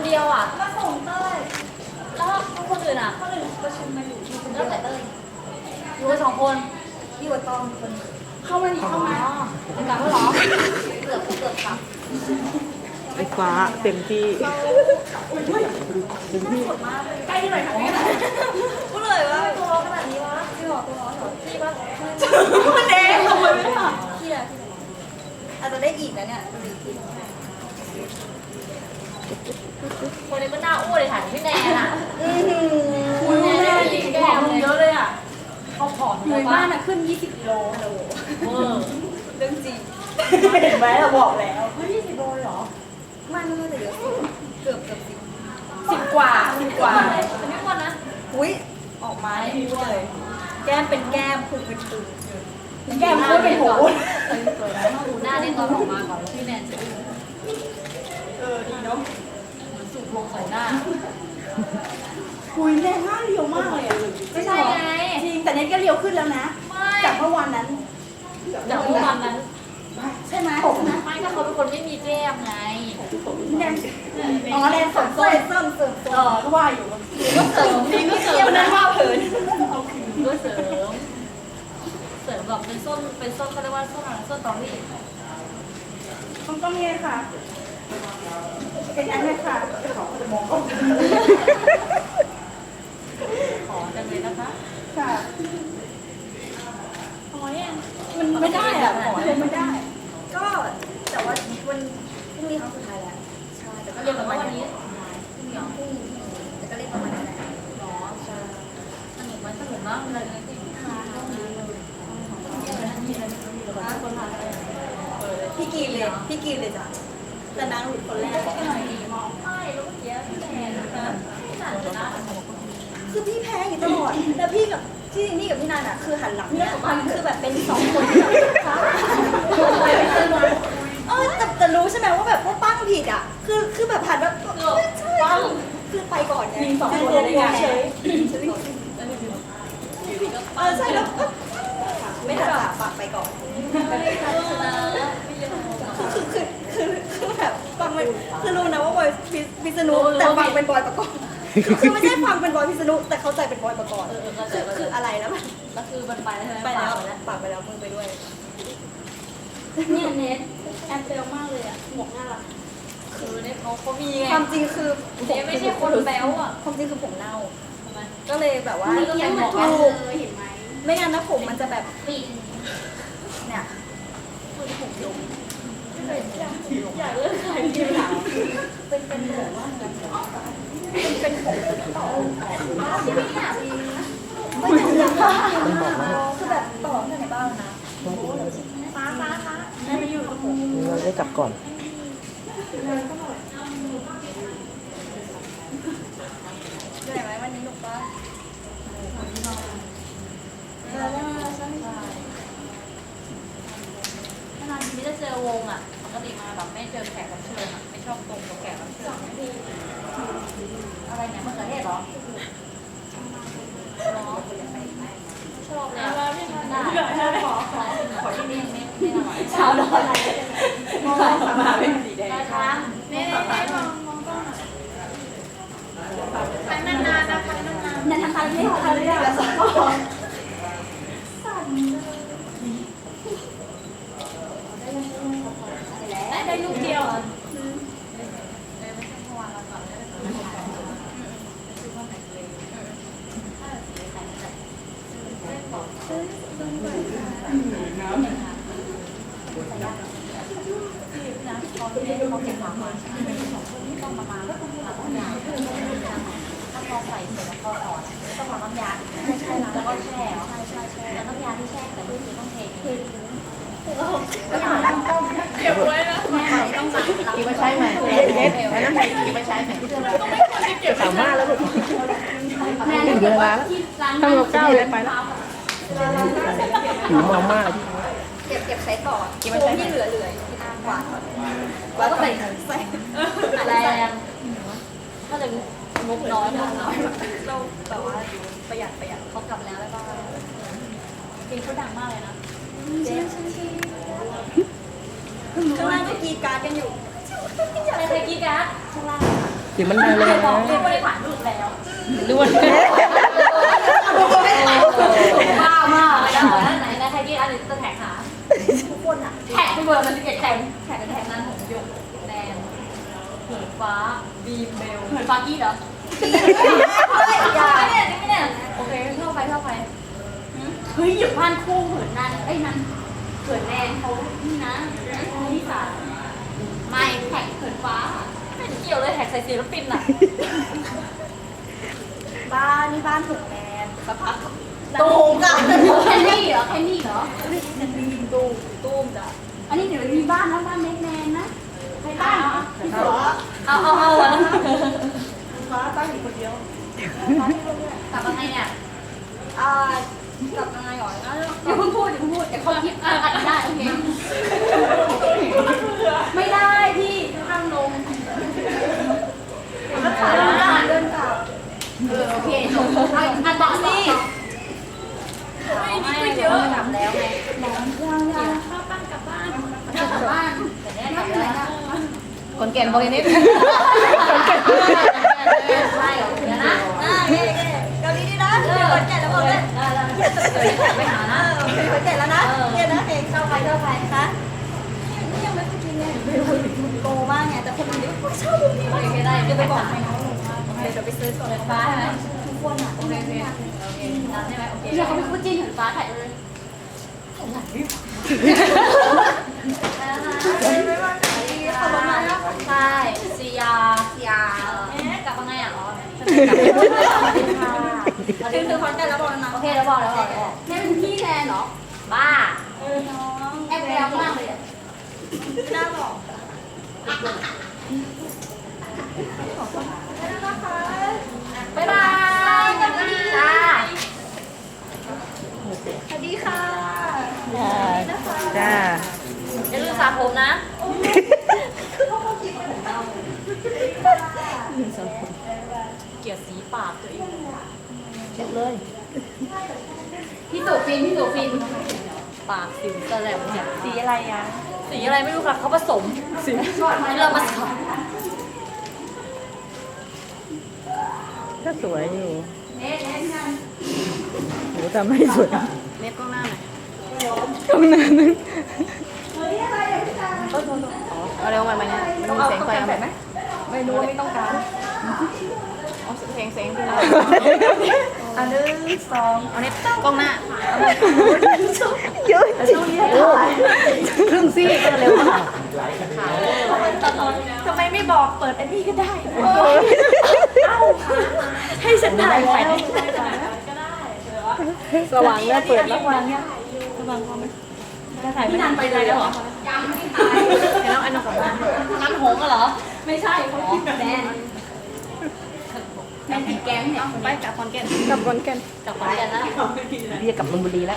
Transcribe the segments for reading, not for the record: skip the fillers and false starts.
ดียวอ่ะมาส่งเต้ยแล้วคนอื่นอ่ะคนอื่นประชุมมาอยู่ที่คนแล้วเดียวแต่เต้ยอยู่กัน2 คนอยู่กับตองคนเข้ามานี่เข้ามาเป็นกลับแล้วเหรอเกือบกลับไอ้ฟ้าเต็มที่ใกล้ที่ไหนคะพูดเลยว่าตัวร้อนขนาดนี้วะพี่บอกตัวร้อนเหรอพี่ปะมันเองทำไมไม่ทำพี่อะอาจจะได้อีกนะเนี่ยดูอีกทีคนนี้มันหน้าอ้วนเลยถ่ายพี่แนนอ่ะคุณแม่ดีแก้มเยอะเลยอ่ะเขาผอมอยู่บ้านอะขึ้น20กิโลฮัลโหลเวอร์เรื่องจริงเห็นไหมเราบอกแล้วเฮ้ย20โลเหรอไม่แต่เยอะเกือบ10กว่าแต่ไม่อ้วนนะอุ้ยออกมาให้พูดเลย แก้มเป็นแก้มพุงเป็นพุงแก้มพูดเป็นหูสวยนะต้องดูหน้าในตอนออกมาก่อนแล้วพี่แนนจะดีเนาะเหมือนสูบลงใส่หน้าคุยแรงมากเรียวมากเลยอ่ะไม่ใช่ไงจริงแต่เน็ตก็เรียวขึ้นแล้วนะไม่จากเมื่อวานนั้นจากเมื่อวันนั้นใช่ไหมไม่ก็เขาเป็นคนไม่มีแก้มไงอ๋อแรงสมส้มก็ว่าอยู่ก็เสริมนี่ก็เสริมวันนั้นว่าเผินก็เสริมแบบเป็นส้นเขาเรียกว่าส้นอะไรส้นตอรี่มันก็มีค่ะ เป็นอันนี้ค่ะมองก็ขอจังเลยนะคะค่ะขอเนี่ยมันไม่ได้อ่ะขอเลยไม่ได้ก็แต่ว่าวันพรุ่งนี้ครั้งสุดท้ายแล้วใช่แต่ก็เรีเรียยนนแบประบมาว่าณวันนี้นี้พรุ่งนี้แต่ก็เรียนประมาณนั้นแหละหรอสนุกมากเลยที่คนพาไปพี่กีนเลยจ้ะแต่นางหลุดคนแรกไม่แล้วเมื่อกี้พี่แนนนะพี่นันชนะคือพี่แพ้อยู่ตลอดแล้วพี่กับนี่กับพี่นันอ่ะคือหันหลังเนี่ยคือแบบเป็น2 คนที่แบบแต่รู้ใช่ไหมว่าแบบว่าปั้งผิดอ่ะคือแบบหันแบบปั้งคือไปก่อนไงมี2 คนได้ไงเฉยใช่แล้วไม่ทันจ่าปากไปก่อนชนะคือแบบฟังไม่คือรู้นะว่าบอยพิษณุแต่ฟังเป็นบอยประกอบคือไม่ใช่ฟังเป็นบอยพิษณุแต่เข้าใจเป็นบอยประกอบคืออะไรนะมันแล้วคือมันไปแล้วใช่ไหมไปแล้วปากไปแล้วมือไปด้วยเนี่ยเน็ตแอบเบลมากเลยอ่ะหมวกน่ารักคือเนี่ยเขามีไงความจริงคือเนี่ยไม่ใช่คนแบ๊วอ่ะความจริงคือผมเน่าทำไมก็เลยแบบว่าก็เป็นหมวกถูกไม่งั้นนะผมมันจะแบบปีนเนี่ยอยากเลิกขายที่หลังเป็นแบบว่าเป็นผมต่อที่นี่อ่ะไม่ถึงคือแบบต่อตั้งแต่บ้านนะฟ้าได้มาอยู่กับผมเราได้กลับก่อนเหนื่อยไหมวันนี้หนุกปะใช่นานๆทีจะเจอวงอ่ะปกติมาแบบไม่เจอแขกรับเชิญอ่ะไม่ชอบตรงกับแขกรับเชิญอะไรเนี่ยมะเขือเทศเหรอชอบเลยได้ขอที่นี่ไม่อร่อยชาวดอนมาเป็นสีแดงนะคะไม่มองกล้องนานๆนะคะนานนันทานไม่ทานเลยอะได้ลูกเดียว นะเขาเก็บหมามาต้องมาแล้วต้องยาถ้าพอใส่เสร็จแล้วก็อ่อนต้องมาน้ำยาใช่แล้วก็แช่แล้วน้ำยาที่แช่แต่ก็คือต้องเทเก็บไว้นะต้องสั่งกินมาใช้ไหมเน็ตอันนั้นกินมาใช้ไหมสามารถแล้วลูกถึงเวลาแล้วทำกับข้าวเลยไปแล้วหิวมาม่าเก็บใช้ต่อที่เหลือที่น้ำหวานแล้วก็ใส่แรงถ้าจะงบน้อยเราแบบว่าประหยัดเขากลับแล้วแล้วก็เพลงเขาดังมากเลยนะข้างล่างก็กีการ์ดกันอยู่ใครกีการ์ดข้างล่างค่ะสียงมันดังเลยนะไม่ได้ผ่านรูปแล้วด้วยบ้ามากแล้วไหนใครที่อันนี้จะแท็กหาทุกคนอ่ะแท็กที่เบอร์มันจะเก็บแท็กนั้นของหยกแนนเหินฟ้าบีมเบลเหินฟ้ากี้เหรอไม่เนี่ยโอเคเข้าไปเฮ้ยหยุดบ้านคู่เหินนั้นไอ้นั้นเหินแนนเขานี่นะนี่ค่ะไม่แท็กเหินฟ้าไม่เกี่ยวเลยแท็กใส่ศิลปินอ่ะบ้านนี่บ้านถูกแมนสักพักตูมจ้ะแคนนี่เหรอตูมจ้ะอันนี้เดี๋ยวมีบ้านแล้วบ้านแมนแมนนะใครบ้านเอาฟ้าตั้งอยู่คนเดียวกลับมาไงเนี่ยกลับยังไงก่อนนะอย่าเพิ่งพูดเดี๋ยวเขาคิดอัดได้โอเคไม่ได้พี่ข้างลงแล้วขาเดินกลับโอเคจบอันต่อสิไม่เยอะกลับแล้วไงยังข้าวปั้นกลับบ้านแต่เนี่ยกลับแล้วคนแก่นบอกอย่างนี้ใช่เดี๋ยวนะเกาหลีดีนะเดี๋ยวแก่แล้วบอกเลยไปหานะแก่แล้วนะแก่นะเองเข้าไปนนะี่ยังไม่เคยกินเลยโตมากไงแต่คนอื่นนี่ชอบมุมนี้โอเคได้เดี๋ยวไปบอกเดี๋ยวไปซื้อก่อนฟ้าใช่ไหมทุกคนอ่ะโอเคได้ใช่ไหมโอเคเดี๋ยวเขาเป็นคู่จิ้นเห็นฟ้าถ่ายเลยใช่ซียากลับมาไงอ่ะอ๋อคือคอนแก่แล้วบอกนะโอเคแล้วบอกนี่เป็นพี่แทนเหรอบ้าน้องแอบแววมากเลยอ่ะไม่น่าบอกบ๊ายบายจ้าสวัสดีค่ะจ้าอย่าลืมสระผมนะเกลียดสีปากตัวเองเช็ดเลยพี่ตู่ฟินปากสิวแสลมเนี่ยสีอะไรอ่ะสีอะไรไม่รู้ค่ะเขาผสมสีที่เราผสมก็สวยอยู่เน็ตงานหนูทำให้สวยเน็ตกล้องหน้าหน่อยตรงนั้นนึงเอาเร็วมาเนี่ยมันมีเสียงไฟเอาไหมไม่รู้ว่าไม่ต้องการเอาเสียงขึ้นมาอันนึงสองเอาเน็ตกล้องหน้าเยอะจริงครึ่งซี่ก็เร็วมากทำไมไม่บอกเปิดอันนี้ก็ได้เอ้าให้ฉันถ่ายแล้วสว่างแล้วเปิดแล้ววางเนี่ยพี่นันไปเลยแล้วเหรอยังไม่ตายแล้วอันนั้นของนันหงส์เหรอไม่ใช่เขาคิดแมนแมนติดแก๊งเนี่ยไปกับคอนแก่นกลับก่อนกันกับคอนแก่นแล้วพี่จะกลับนนบุรีแล้ว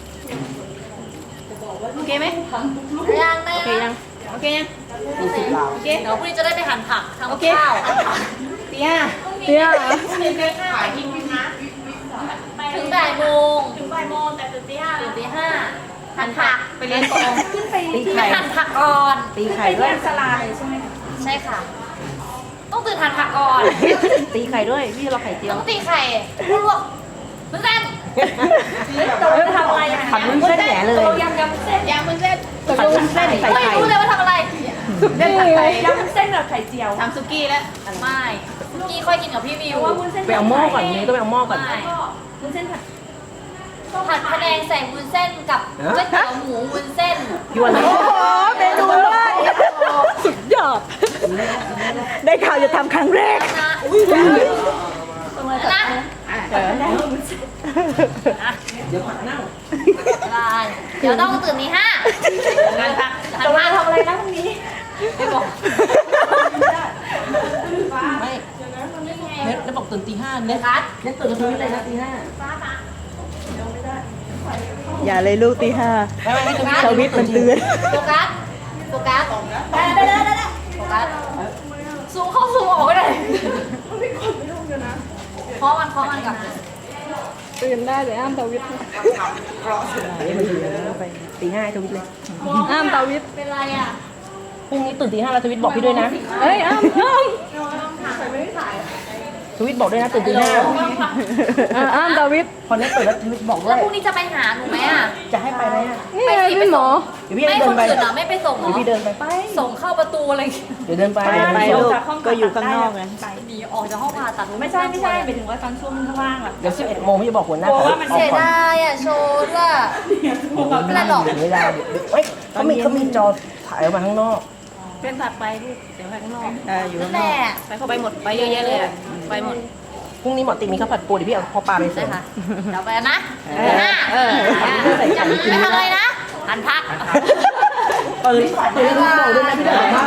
โอเคไหมยังแม่โอเคยังโอเคเดี๋ยวพรุ่งนี้จะได้ไปหั่นผักทำข้าวเตี้ยขายทิ้งนะถึงบ่ายโมงแต่ตื่นตีห้าหั่นผักไปเรียนกองขึ้นไปตีไปไข่หั่นผักก่อนตีไข่ไปด้วเรียยนสลาเลยใช่ไหมใช่ค่ะ ต้องตื่นหั่นผักก่อนตีไข่ด้วยพี่รอไข่เจียวต้องตีไข่ลวกมึงเส้นตกลงจะทำอะไรอ่ะผัดวุ้นเส้นแหนเลยตกลงยำเส้นผัดวุ้นเส้นใส่ไม่ไข่รู้เลยว่าทำอะไรเส้นผัดไข่ยำเส้นแบบไข่เจียวทำซุกี้แล้วไม่ซุกี้ค่อยกินกับพี่วิวว่าวุ้นเส้นไปเอาหม้อก่อนนี่ต้องไปเอาหม้อก่อนไม่วุ้นเส้นผัดผัดพะแนงใส่วุ้นเส้นกับก๋วยเตี๋ยวหมูวุ้นเส้นยวนเลยเมนูด้วยสุดยอด ได้ข่าวจะทำครั้งแรกนะเดี๋ยวผักเน่าได้เดี๋ยวต้องตื่นตีห้าหั่นผักหั่นจะผัมาก ทำอะไรนะพรุ่งนี้ไม่บอกไม่เน็ตแล้วบอกตื่นตีห้าเน็ตคัดเน็ตตื่นกับทวิตเลยนะตีห้าฟ้าฟ้าอย่าเลยลูกตีห้าทวิตมันเตือนโฟกัสโฟกัสได้โฟกัสซูมเข้าซูมออกก็ได้เพราะมันกับตื่นได้แต่อ้ามทวิตมันตื่นไปตีห้าทวิตเลยอ้ามทวิตเป็นไรอ่ะพรุ่งนี้ตื่นตีห้าแล้วทวิตบอกพี่ด้วยนะเฮ้ยอ้ามทวิตบอกด้วยนะตื่นตีห้าอ้ามดาวิดพอเน็ตเปิดแล้วทวิตบอกด้แล้ว วย พรุ่งนี้จะไปหาหนูไหมอ่ะจะให้ไปไหมอ่ะนี่ไงพี่หมอเดี๋ยวพี่ไม่เดิคน นไปอื่นเหรอไม่ไปส่งเหรเดี๋ยวอพี่เดินไปส่งเข้าประตูอะไรอย่างเงี้ยเดี๋ยวเดินไปไปลูกก็อยู่ข้างนอกไงหนีออกจากห้องผ่าตัดไม่ใช่หมายถึงว่าตอนช่วงข้างล่างอะเดี๋ยว11 โมงพี่จะบอกหัวหน้ากลัวว่ามันเสียดายอ่ะโชว์ด้วยไม่เป็นไรหรอกไม่ได้เฮ้ยเขามีจอถ่ายออกมาข้างนอกเป็นสัตว์ไปลูกเดี๋ยวไปข้างนอกอยู่นั่ข้าน งแหนอละกไปเข้าไปหมดไปเยอะแยะเลยอะไปหมดพรุ่งนี้หมอติมีข้าวผัดปูเดี๋ยวพี่เอาพ่อปลาไปเสิได้ร์ฟค่ะเดี๋ยวไปนะหน้าจะไม่ไม่ทำอะไรนะหันพักตื่นบอกด้วยนะพี่เดินบ้าน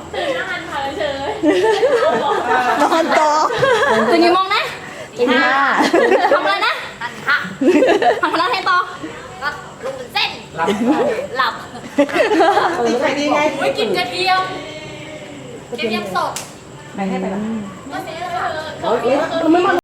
นอนต่อตื่นกี่โมงนะตีห้าทำอะไรนะหันพักทำอะไรให้ต่อก็ลุกเป็นเส้นหลับตื่นใครดีไงไม่กินกระเทียมกระเทียมสดไปให้ไปละก็เสียแล้วค่ะเฮ้ยมันไม่มา